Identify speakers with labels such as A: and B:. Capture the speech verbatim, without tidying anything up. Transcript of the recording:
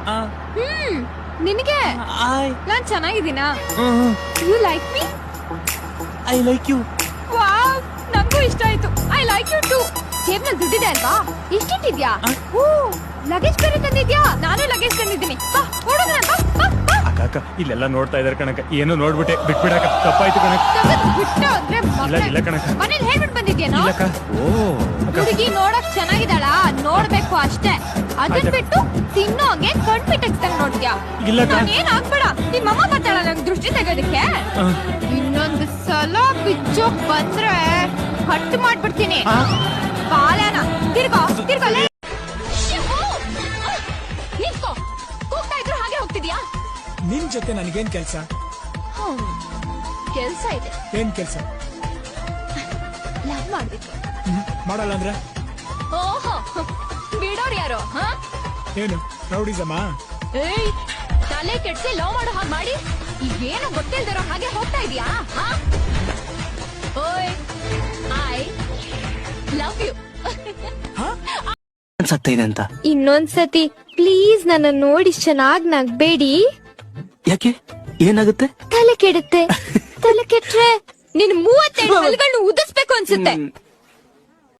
A: ಹ್ಮ್ ನಿನಗೆ ನಾನ್ ಚೆನ್ನಾಗಿದ್ದೀನಾ? You like me?
B: I like you.
A: Wow, ನಂಗೂ ಇಷ್ಟ ಆಯ್ತು. I like you too. ಜೇಬ್ನಲ್ಲಿ ದುಡ್ಡಿದೆ ಅಲ್ವಾ? ಎಷ್ಟಿಟ್ಟಿದ್ಯಾ? ಓ, ಲಗೇಜ್ ಬೇರೆ ತಂದಿದ್ಯಾ? ನಾನು ಲಗೇಜ್ ತಂದಿದ್ದೀನಿ. ಬಾ ಹೊರಡೋಣ. ಬಾ ಬಾ ಬಾ.
B: ಅಕ್ಕ ಅಕ್ಕ ಇಲ್ಲೆಲ್ಲ ನೋಡ್ತಾ ಇದಾರೆ ಕಣಕ. ಏನೋ ನೋಡ್ಬಿಟ್ಟೆ ಬಿಟ್ಬಿಡಕ. ತಪ್ಪಾಯ್ತು ಕಣಕ.
A: ಬಿಟ್ಟು ಅಂದ್ರೆ
B: ಇಲ್ಲ ಇಲ್ಲ ಕಣಕ.
A: ಮನೇಲಿ ಹೇಳ್ಬಿಟ್ಟು ಬಂದಿದ್ಯೇನೋ?
B: ಇಲ್ಲಕ್ಕ. ಓ
A: ಹುಡುಗಿ ನೋಡಕ್ ಚೆನ್ನಾಗಿದ್ದಾಳ, ನೋಡ್ಬೇಕು ಅಷ್ಟೇ. ಅದನ್ ಬಿಟ್ಟು ತಿನ್ನೋ ಹಂಗೆ ಕಣ್ಪಿಟ್ಟಂಗ್ ನೋಡ್ತೀಯಾ?
B: ಇಲ್ಲ ಕಣ.
A: ಏನ್ ಆಗ್ಬೇಡ. ನಿಮ್ಮಮ್ಮ ಬರ್ತಾಳ ನಂಗೆ ದೃಷ್ಟಿ ತೆಗೋದಕ್ಕೆ. ಇನ್ನೊಂದು ಸಲ ಬಿಚ್ಚೋಕ್ ಬಂದ್ರೆ ಹಟ್ಟು ಮಾಡ್ಬಿಡ್ತೀನಿ. ಬಾಲನ ತಿರ್ಗೋ ತಿರ್ಗೋ. ನಿಂತ್ಕೋ. ಕೂಗ್ತಾ ಇದ್ರು ಹಾಗೆ ಹೋಗ್ತಿದ್ಯಾ?
C: ನಿನ್ ಜೊತೆ ನನಗೇನ್ ಕೆಲ್ಸ?
A: ಕೆಲ್ಸ ಇದೆ.
C: ಏನ್ ಕೆಲ್ಸ?
A: ಲವ್ ಮಾಡ್ಬೇಕು.
C: ಮಾಡಲ್ಲ ಅಂದ್ರೆ?
A: ಓಹೋ, ಬಿಡೋರ್ ಯಾರು?
C: ಏನು ರೌಡಿಸಮ್ಮ?
A: ಏಯ್, ತಲೆ ಕೆಡ್ಸಿ ಲವ್ ಮಾಡೋ ಹಾಗೆ ಮಾಡಿ ಈಗೇನು ಗೊತ್ತಿಲ್ದಿರೋ ಹಾಗೆ ಹೋಗ್ತಾ ಇದೀಯಾ? ಓಯ್, ಐ ಲವ್ ಯು.
B: ಸತ್ತಿದೆ ಅಂತ
D: ಇನ್ನೊಂದ್ಸತಿ ಪ್ಲೀಸ್ ನನ್ನ ನೋಡಿ ಚೆನ್ನಾಗ್ ನಗ್ಬೇಡಿ.
B: ಯಾಕೆ? ಏನಾಗುತ್ತೆ?
D: ತಲೆ ಕೆಡುತ್ತೆ. ತಲೆ ಕೆಟ್ರೆ
A: ನಿನ್ ಮೂವತ್ತೆರಡು ಹಲ್ಗಳನ್ನ ಉದಿಸ್ಬೇಕು ಅನ್ಸುತ್ತೆ.